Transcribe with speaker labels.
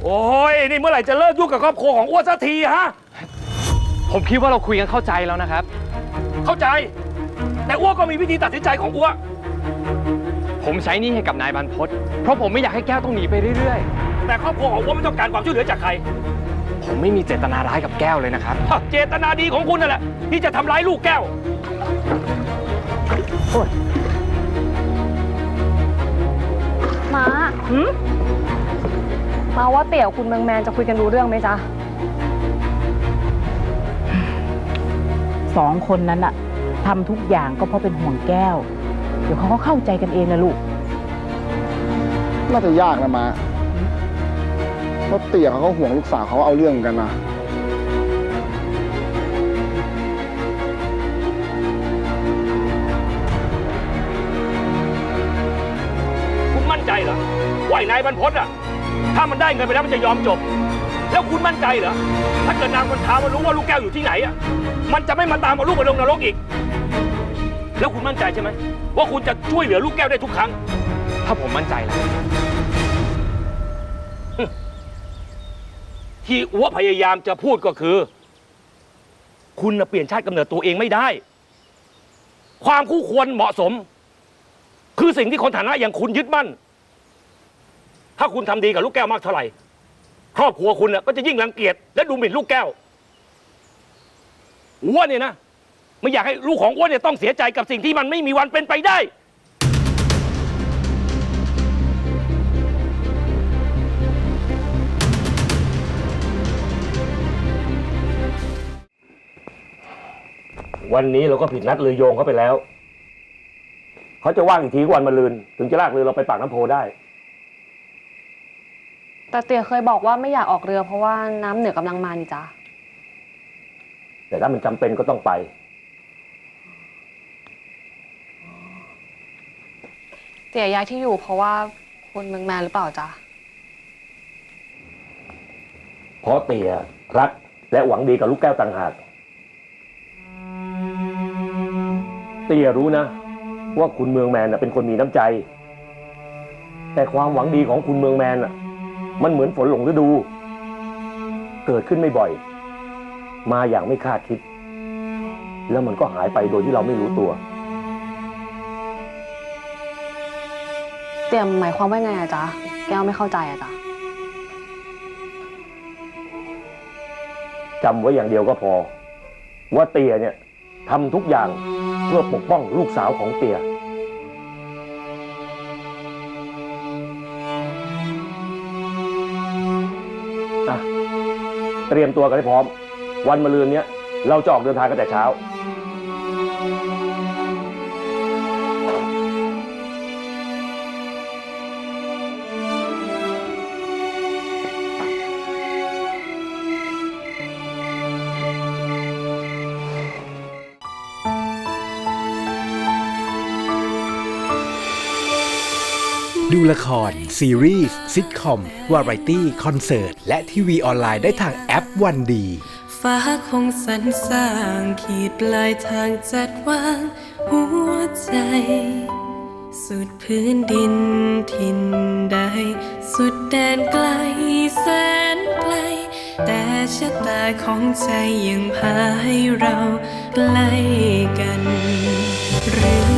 Speaker 1: โอ้ยนี่เมื่อไหร่จะเลิกยุ่งกับครอบครัวของอ้วนสักทีฮะ
Speaker 2: ผมคิดว่าเราคุยกันเข้าใจแล้วนะครับ
Speaker 1: เข้าใจแต่อ้วนก็มีวิธีตัดสินใจของอ้วน
Speaker 2: ผมใช้หนี้ให้กับนายบรรพตเพราะผมไม่อยากให้แก้วต้องหนีไปเรื่อย
Speaker 1: ๆแต่ครอบครัวของอ้วนไม่ต้องการความช่วยเหลือจากใคร
Speaker 2: ผมไม่มีเจตนาร้ายกับแก้วเลยนะครับ
Speaker 1: เจตนาดีของคุณนั่นแหละที่จะทำร้ายลูกแก้ว
Speaker 3: มาว่าเตี่ยวคุณเมืองแมนจะคุยกันรู้เรื่องไหมจ๊ะ
Speaker 4: 2 คนนั้นอะทำทุกอย่างก็เพราะเป็นห่วงแก้วเดี๋ยวเขาก็เข้าใจกันเองนะลูก
Speaker 5: น่าจะยากนะมาเพราะเตี่ยเขาก็ห่วงลูกสาวเขาเอาเรื่องกันนะ
Speaker 1: คุณมั่นใจเหรอว่านายบรรพตอะถ้ามันได้เงินไปแล้วมันจะยอมจบแล้วคุณมั่นใจเหรอถ้าเกิดนางคนท้ามันรู้ว่าลูกแก้วอยู่ที่ไหนอะมันจะไม่มาตามเอาลูกไปลงนรกอีกแล้วคุณมั่นใจใช่ไหมว่าคุณจะช่วยเหลือลูกแก้วได้ทุกครั้ง
Speaker 2: ถ้าผมมั่นใจแล้ว
Speaker 1: ที่อ้วพยายามจะพูดก็คือคุณเปลี่ยนชาติกำเนิดตัวเองไม่ได้ความคู่ควรเหมาะสมคือสิ่งที่คนฐานะอย่างคุณยึดมั่นถ้าคุณทำดีกับลูกแก้วมากเท่าไหร่ครอบครัวคุณก็จะยิ่งรังเกียจและดูหมิ่นลูกแก้วอ้วนเนี่ยนะไม่อยากให้ลูกของอ้วนเนี่ยต้องเสียใจกับสิ่งที่มันไม่มีวันเป็นไปได้วันนี้เราก็ผิดนัดเรือโยงเขาไปแล้วเขาจะว่างอีกทีวันมะรืนถึงจะลากเรือเราไปปากน้ำโพได้
Speaker 3: แต่เตี่ยเคยบอกว่าไม่อยากออกเรือเพราะว่าน้ำเหนือกำลังมานี่จ๊ะ
Speaker 1: แต่ถ้ามันจำเป็นก็ต้องไป
Speaker 3: เตี่ยย้ายที่อยู่เพราะว่าคุณเมืองแมนหรือเปล่าจ๊ะ
Speaker 1: เพราะเตี่ยรักและหวังดีกับลูกแก้วต่างหากเตี่ยรู้นะว่าคุณเมืองแมนเป็นคนมีน้ำใจแต่ความหวังดีของคุณเมืองแมนมันเหมือนฝนหลงฤดูเกิดขึ้นไม่บ่อยมาอย่างไม่คาดคิดแล้วมันก็หายไปโดยที่เราไม่รู้ตัว
Speaker 3: เตี่ยหมายความว่าไงอะจ๊ะแก้วไม่เข้าใจอะจ๊ะ
Speaker 1: จำไว้อย่างเดียวก็พอว่าเตี่ยเนี่ยทำทุกอย่างเพื่อปกป้องลูกสาวของเตี่ยเตรียมตัวกันให้พร้อมวันมะรืนนี้เราจะออกเดินทางกันแต่เช้า
Speaker 6: ดูละครซีรีส์ซิทคอมวาไรตี้คอนเสิร์ตและทีวีออนไลน์ได้ทางแอปวันดี
Speaker 7: ฟ้าคงสรรสร้างขีดปลายทางจัดวางหัวใจสุดพื้นดินทินใดสุดแดนไกลแสนไกลแต่ชะตาของใจยังพาให้เราใกล้กันหรือ